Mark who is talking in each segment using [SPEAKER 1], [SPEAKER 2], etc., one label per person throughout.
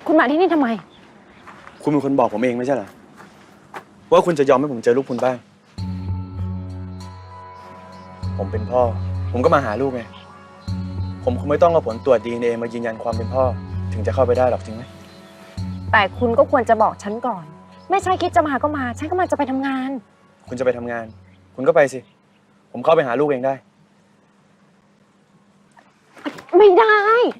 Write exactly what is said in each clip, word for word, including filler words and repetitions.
[SPEAKER 1] คุณมาที่นี่ทำไม
[SPEAKER 2] คุณเป็นคนบอกผมเองไม่ใช่เหรอว่าคุณจะยอมให้ผมเจอลูกคุณบ้างผมเป็นพ่อผมก็มาหาลูกไงผมคงไม่ต้องเอาผลตรวจ ดี เอ็น เอ มายืนยันความเป็นพ่อถึงจะเข้าไปได้หรอกจริงไหม
[SPEAKER 1] แต่คุณก็ควรจะบอกฉันก่อนไม่ใช่คิดจะมาก็มาฉันก็มาจะไปทำงาน
[SPEAKER 2] คุณจะไปทำงานคุณก็ไปสิผมเข้าไปหาลูกเองได้
[SPEAKER 1] ไม่ได้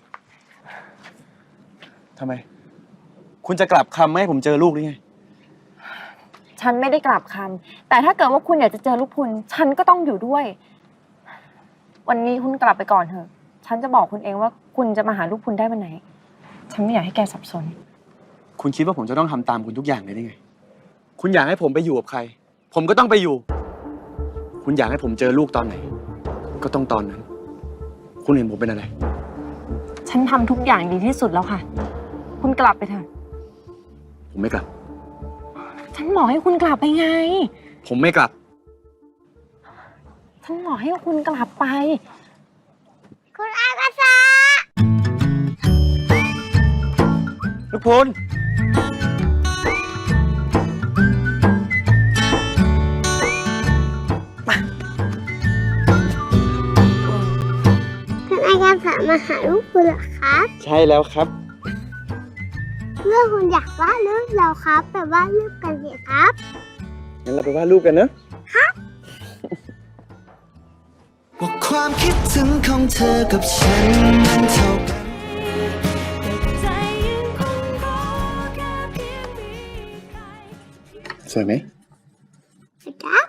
[SPEAKER 2] ทำไมคุณจะกลับคำไม่ให้ผมเจอลูกหรือไง
[SPEAKER 1] ฉันไม่ได้กลับคำแต่ถ้าเกิดว่าคุณอยากจะเจอลูกคุณฉันก็ต้องอยู่ด้วยวันนี้คุณกลับไปก่อนเถอะฉันจะบอกคุณเองว่าคุณจะมาหาลูกคุณได้วันไหนฉันไม่อยากให้แกสับสน
[SPEAKER 2] คุณคิดว่าผมจะต้องทำตามคุณทุกอย่างเลยได้ไงคุณอยากให้ผมไปอยู่กับใครผมก็ต้องไปอยู่คุณอยากให้ผมเจอลูกตอนไหนก็ต้องตอนนั้นคุณเห็นผมเป็นอะไร
[SPEAKER 1] ฉันทำทุกอย่างดีที่สุดแล้วค่ะคุณกลับไปเถอะ
[SPEAKER 2] ผมไม่กลับ
[SPEAKER 1] ฉันบอกให้คุณกลับไปไง
[SPEAKER 2] ผมไม่กลับ
[SPEAKER 1] ฉันบอกให้คุณกลับไป
[SPEAKER 3] คุณอากาศะ
[SPEAKER 2] ลูกพล
[SPEAKER 3] คุณอากาศะมาหาลูกคุณเหรอครับ
[SPEAKER 2] ใช่แล้วครับ
[SPEAKER 3] เพื่อคุณอยากวาดรูปเราครับแต่วาดรูปกันสิครับ
[SPEAKER 2] งั้นเราไปวาดรูปกันนะครับ
[SPEAKER 4] ว่าความคิดถึงของเธอกับฉันมันเท่ากัน
[SPEAKER 2] สวยไหม
[SPEAKER 3] ครับ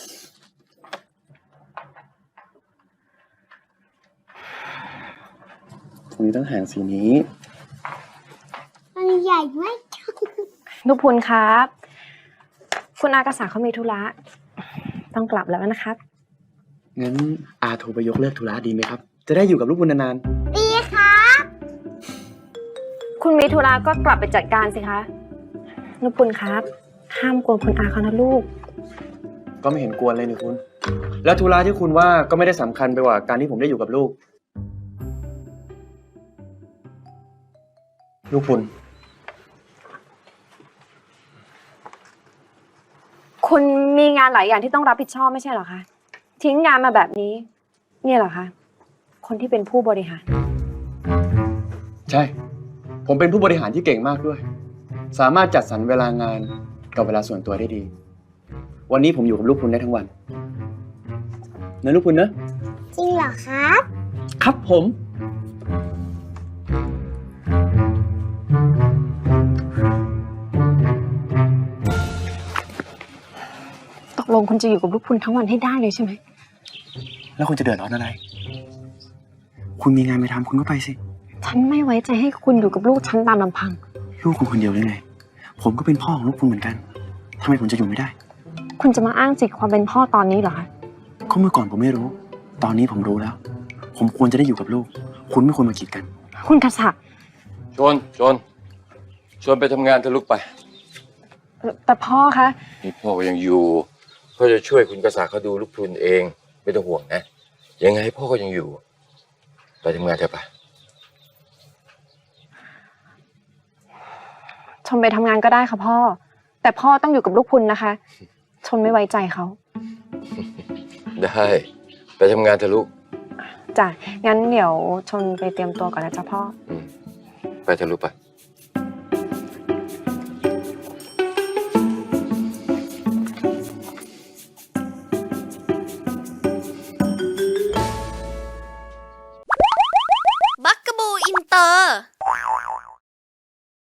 [SPEAKER 2] ผมมีต้องหางสีนี้
[SPEAKER 3] มันใหญ่ไหม
[SPEAKER 1] ลูกพุนครับคุณอากาศะเขามีธุระต้องกลับแล้วนะครับ
[SPEAKER 2] งั้นอาโทรไปยกเลิกธุระดีไหมครับจะได้อยู่กับลูกคุณนาน
[SPEAKER 3] ๆดีครับ
[SPEAKER 1] คุณมีธุระก็กลับไปจัดการสิคะลูกพุนครับห้ามกวนคุณอาเขานะลูก
[SPEAKER 2] ก็ไม่เห็นกวนเลยนี่คุณแล้วธุระที่คุณว่าก็ไม่ได้สำคัญไปกว่าการที่ผมได้อยู่กับลูกลูกคุณ
[SPEAKER 1] คุณมีงานหลายอย่างที่ต้องรับผิดชอบไม่ใช่เหรอคะทิ้งงานมาแบบนี้เนี่ยเหรอคะคนที่เป็นผู้บริหาร
[SPEAKER 2] ใช่ผมเป็นผู้บริหารที่เก่งมากด้วยสามารถจัดสรรเวลางานกับเวลาส่วนตัวได้ดีวันนี้ผมอยู่กับลูกคุณได้ทั้งวันนะลูกคุณนะ
[SPEAKER 3] จริงเหรอครับ
[SPEAKER 2] ครับผม
[SPEAKER 1] ตกลงคุณจะอยู่กับลูกคุณทั้งวันให้ได้เลยใช่ไหม
[SPEAKER 2] แล้วคุณจะเดือดร้อนอะไรคุณมีงานไปทำคุณก็ไปสิ
[SPEAKER 1] ฉันไม่ไว้ใจให้คุณอยู่กับลูกฉันตามลำพัง
[SPEAKER 2] ลูกคุณคนเดียวได้ไงผมก็เป็นพ่อของลูกคุณเหมือนกันทำไมผมจะอยู่ไม่ได้
[SPEAKER 1] คุณจะมาอ้างสิทธิ์ความเป็นพ่อตอนนี้เหรอคะ
[SPEAKER 2] ก็เมื่อก่อนผมไม่รู้ตอนนี้ผมรู้แล้วผมควรจะได้อยู่กับลูกคุณไม่ควรมากีดกัน
[SPEAKER 1] คุณกษัตริย์
[SPEAKER 5] ชวนชวนชวนไปทำงานเถอะลูกไป
[SPEAKER 1] แต่พ่อคะ
[SPEAKER 5] นี่พ่อก็ยังอยู่พ่อจะช่วยคุณกษัตริย์เขาดูลูกพรุนเองไม่ต้องห่วงนะยังไงพ่อก็ยังอยู่ไปทำงานเถอะไป
[SPEAKER 1] ชมไปทำงานก็ได้ค่ะพ่อแต่พ่อต้องอยู่กับลูกพุนนะคะชนไม่ไว้ใจเขา
[SPEAKER 5] ได้ไปทำงานเถอะลูก
[SPEAKER 1] จ้ะงั้นเดี๋ยวชนไปเตรียมตัวก่อนนะจ๊ะพ่อ
[SPEAKER 5] ไปเถอะลูกไป